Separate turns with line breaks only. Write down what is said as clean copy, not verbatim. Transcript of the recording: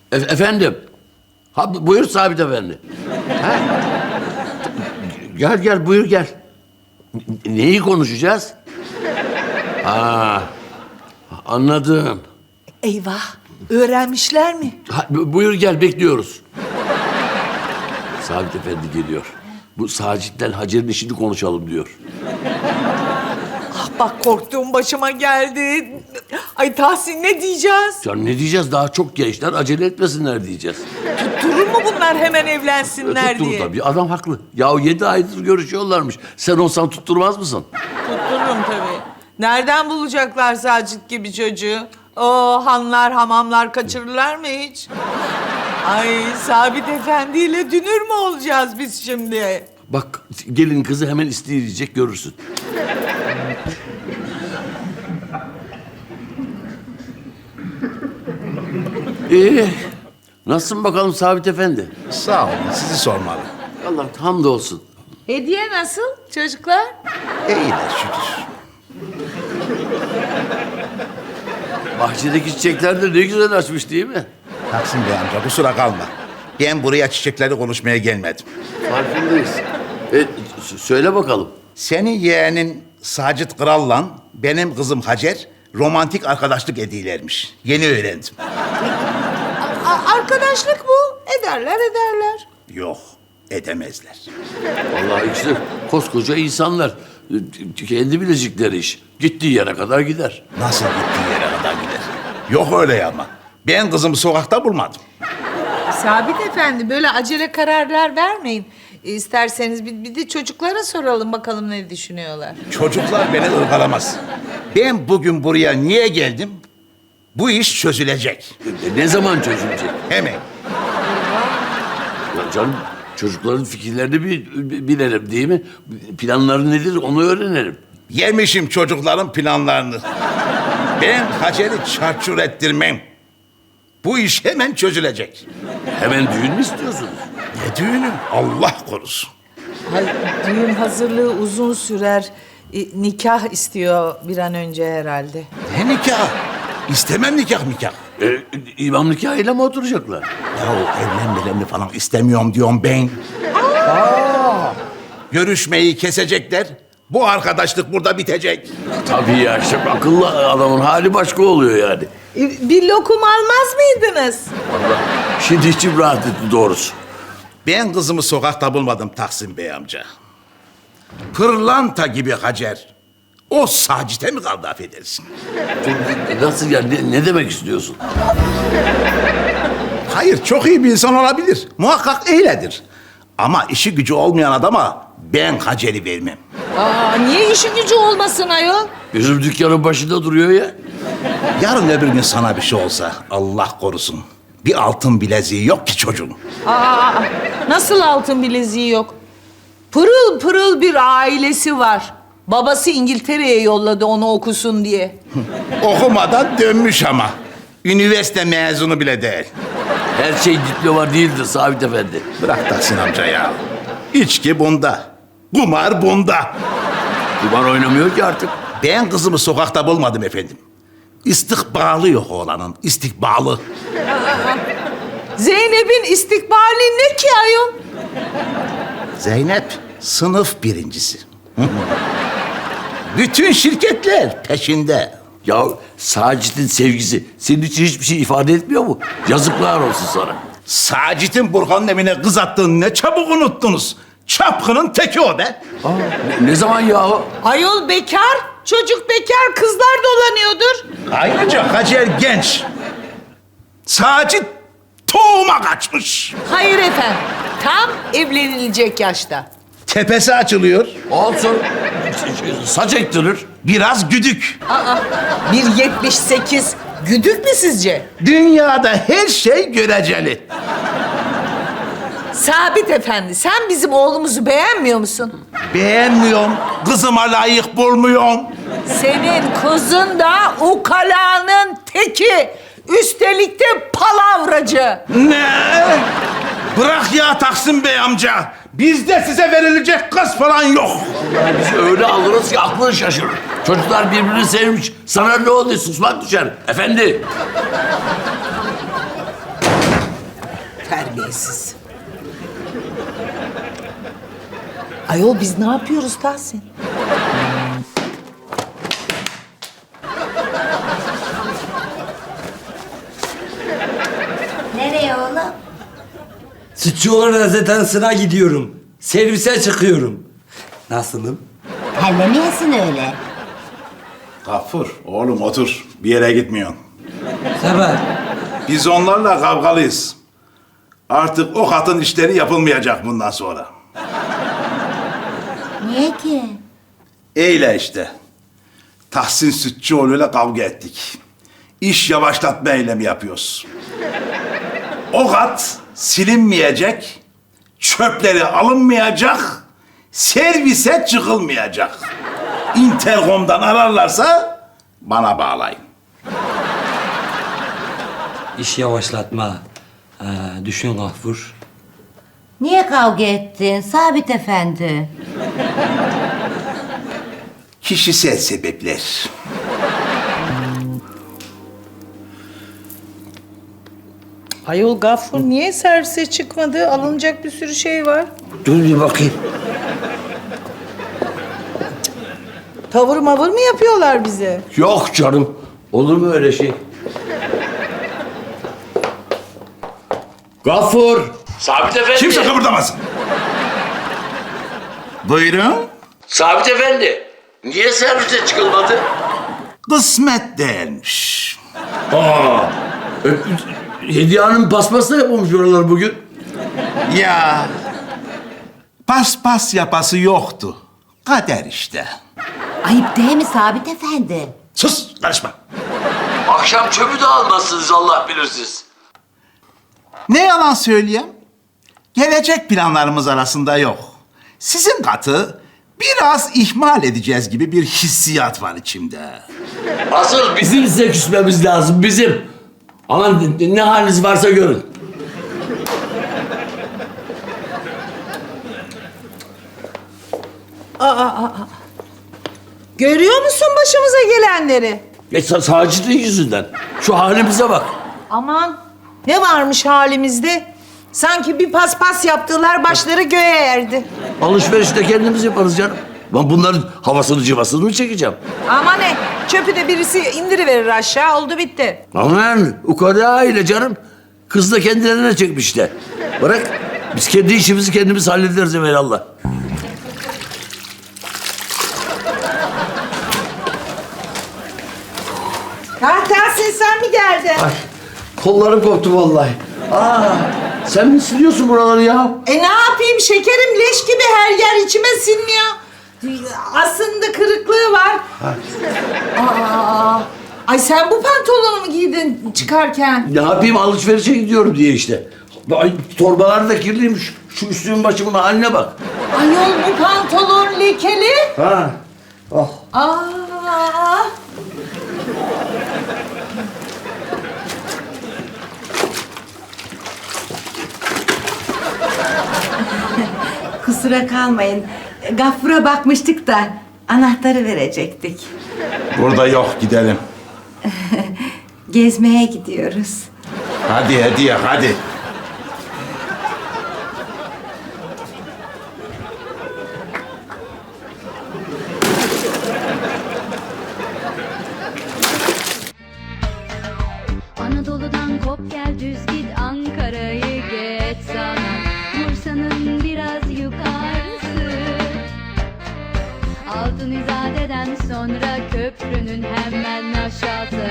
Efendim. Ha, buyur Sabit Efendi. Ha? Gel buyur gel. Neyi konuşacağız? Ha, anladım.
Eyvah, öğrenmişler mi?
Ha, buyur gel bekliyoruz. Sabit Efendi geliyor. Bu Sacit'ten Hacer'in işini konuşalım diyor.
Ah bak korktuğum başıma geldi. Ay Tahsin ne diyeceğiz?
Ya ne diyeceğiz? Daha çok gençler acele etmesinler diyeceğiz.
Durur mu bunlar hemen evlensinler
Tutturur
diye?
tabii. Adam haklı. Ya 7 aydır görüşüyorlarmış. Sen olsan tutturmaz mısın?
Tuttururum tabii. Nereden bulacaklar Sacit gibi çocuğu? O hanlar, hamamlar kaçırırlar mı hiç? Ay Sabit Efendi ile dünür mü olacağız biz şimdi?
Bak gelin kızı hemen isteyecek görürsün. Nasılsın bakalım Sabit Efendi?
Sağ olun, sizi sormalı.
Allah hamdolsun.
Hediye nasıl çocuklar?
İyiler şükür.
Bahçedeki çiçekler de ne güzel açmış değil mi?
Taksim Bey amca, kusura kalma. Ben buraya çiçekleri konuşmaya gelmedim.
Farkındayız. Söyle bakalım.
Senin yeğenin Sacit Kral'la benim kızım Hacer romantik arkadaşlık ediyorlarmış. Yeni öğrendim.
Arkadaşlık bu. Ederler.
Yok, edemezler.
Vallahi işte koskoca insanlar. Kendi bilecekleri iş. Gittiği yere kadar gider.
Nasıl gittiği yere kadar gider? Yok öyle ama. Ben kızımı sokakta bulmadım.
Sabit Efendi böyle acele kararlar vermeyin. İsterseniz bir de çocuklara soralım bakalım ne düşünüyorlar.
Çocuklar beni ırgalamaz. Ben bugün buraya niye geldim? Bu iş çözülecek.
Ne zaman çözülecek?
Hemen.
Ya canım çocukların fikirlerini bilelim değil mi? Planları nedir onu öğrenelim.
Yemişim çocukların planlarını. Ben Hacer'i çarçur ettirmem. Bu iş hemen çözülecek.
Hemen düğün mü istiyorsunuz?
Ne düğünü? Allah korusun.
Hayır, düğün hazırlığı uzun sürer. Nikah istiyor bir an önce herhalde.
Ne nikah? İstemem nikah.
İmam nikahıyla mı oturacaklar?
Ya evlenmelerini falan istemiyorum diyorum ben. Görüşmeyi kesecekler. Bu arkadaşlık burada bitecek.
Tabii ya işte akıllı adamın hali başka oluyor yani.
Bir lokum almaz mıydınız?
Vallahi şimdi içim rahat etti doğrusu.
Ben kızımı sokakta bulmadım Taksim Bey amca. Pırlanta gibi Hacer. O Sacit'e mi kaldı affedersin?
Nasıl yani ne demek istiyorsun?
Hayır, çok iyi bir insan olabilir. Muhakkak öyledir. Ama işi gücü olmayan adama ben Hacer'i vermem.
Niye işi gücü olmasın ayol?
Bizim dükkanın başında duruyor ya.
Yarın öbür gün sana bir şey olsa Allah korusun. Bir altın bileziği yok ki çocuğun.
Nasıl altın bileziği yok? Pırıl pırıl bir ailesi var. Babası İngiltere'ye yolladı onu okusun diye.
Okumadan dönmüş ama. Üniversite mezunu bile değil.
Her şey diploma değildir Sabit Efendi.
Bırak Tahsin amca ya. İçki bunda. Kumar bunda.
Kumar oynamıyor ki artık.
Ben kızımı sokakta bulmadım efendim. İstikbalı yok oğlanın, istikbalı.
Zeynep'in istikbali ne ki ayol?
Zeynep sınıf birincisi. Bütün şirketler peşinde.
Ya Sacit'in sevgisi senin için hiçbir şey ifade etmiyor mu? Yazıklar olsun sana.
Sacit'in Burhan'ın evine kız attığını ne çabuk unuttunuz. Çapkının teki o be.
Ne zaman ya?
Ayol bekar, çocuk bekar, kızlar dolanıyordur.
Ayrıca Hacer genç. Sacit tohuma kaçmış.
Hayır efendim, tam evlenilecek yaşta.
Tepesi açılıyor.
Olsun. Saç ektirir.
Biraz güdük.
1.78 güdük mü sizce?
Dünyada her şey göreceli.
Sabit Efendi, sen bizim oğlumuzu beğenmiyor musun?
Beğenmiyorum. Kızıma layık bulmuyorum.
Senin kızın da ukalanın teki. Üstelik de palavracı.
Ne? Bırak ya Taksim Bey amca. Bizde size verilecek kız falan yok.
Biz öyle alırız ki aklın şaşırır. Çocuklar birbirini sevmiş. Sana ne oluyor? Susmak düşer. Efendi.
Terbiyesiz. Ayol biz ne yapıyoruz Tahsin?
Nereye oğlum?
Sütçüoğlu rezidansına gidiyorum. Servise çıkıyorum. Nasılım?
Terlemeyesin öyle.
Gafur, oğlum otur. Bir yere gitmiyorsun.
Sebep?
Biz onlarla kavgalıyız. Artık o katın işleri yapılmayacak bundan sonra.
Niye ki?
Eyle işte. Tahsin Sütçüoğlu'yla kavga ettik. İş yavaşlatma eylemi yapıyoruz. O kat silinmeyecek, çöpleri alınmayacak, servise çıkılmayacak. Intercom'dan ararlarsa bana bağlayın.
İş yavaşlatma. Düşün Gafur.
Niye kavga ettin Sabit Efendi?
Kişisel sebepler.
Ayol Gaffur niye servise çıkmadı? Alınacak bir sürü şey var.
Dur bir bakayım.
Tavır mavır mı yapıyorlar bize?
Yok canım. Olur mu öyle şey? Gafur. Sabit Efendi.
Kimse kıpırdamasın. Buyurun.
Sabit Efendi. Niye servise çıkılmadı?
Kısmet değilmiş.
Hediye Hanım paspasla yapılmış oralar bugün.
Ya paspas yapası yoktu. Kader işte.
Ayıp değil mi Sabit Efendi?
Sus, karışma.
Akşam çöpü de almazsınız Allah bilir siz.
Ne yalan söyleyeyim? Gelecek planlarımız arasında yok. Sizin katı biraz ihmal edeceğiz gibi bir hissiyat var içimde.
Asıl bizim size küsmemiz lazım, bizim. Aman ne haliniz varsa görün.
Görüyor musun başımıza gelenleri?
Sacit'in yüzünden. Şu halimize bak.
Aman ne varmış halimizde? Sanki bir paspas yaptılar başları göğe erdi.
Alışverişte kendimiz yaparız canım. Ben bunların havasını cıvasını mı çekeceğim?
Ama ne? Çöpü de birisi indiriverir aşağı oldu bitti.
Aman ukala aile canım. Kız da kendilerine çekmiş de. Bırak biz kendi işimizi kendimiz hallederiz evvelallah.
Tahsin sen mi geldin?
Ay, kollarım koptu vallahi. Sen mi siliyorsun buraları ya?
Ne yapayım şekerim leş gibi her yer içime sinmiyor. Aslında kırıklığı var. Ay sen bu pantolonu mu giydin çıkarken?
Ne yapayım alışverişe gidiyorum diye işte. Ay, torbalar da kirliymiş. Şu üstümün başımın haline bak.
Ayol bu pantolon lekeli.
Ha. Oh.
Aa.
Kusura kalmayın. Gafur'a bakmıştık da anahtarı verecektik.
Burada yok, gidelim.
Gezmeye gidiyoruz.
Hadi hediye, hadi.
Anadolu'dan kop gel düz git Ankara'yı geç sana Bursa'nın biraz yukarısı Altın İzade'den sonra köprünün hemen aşağısı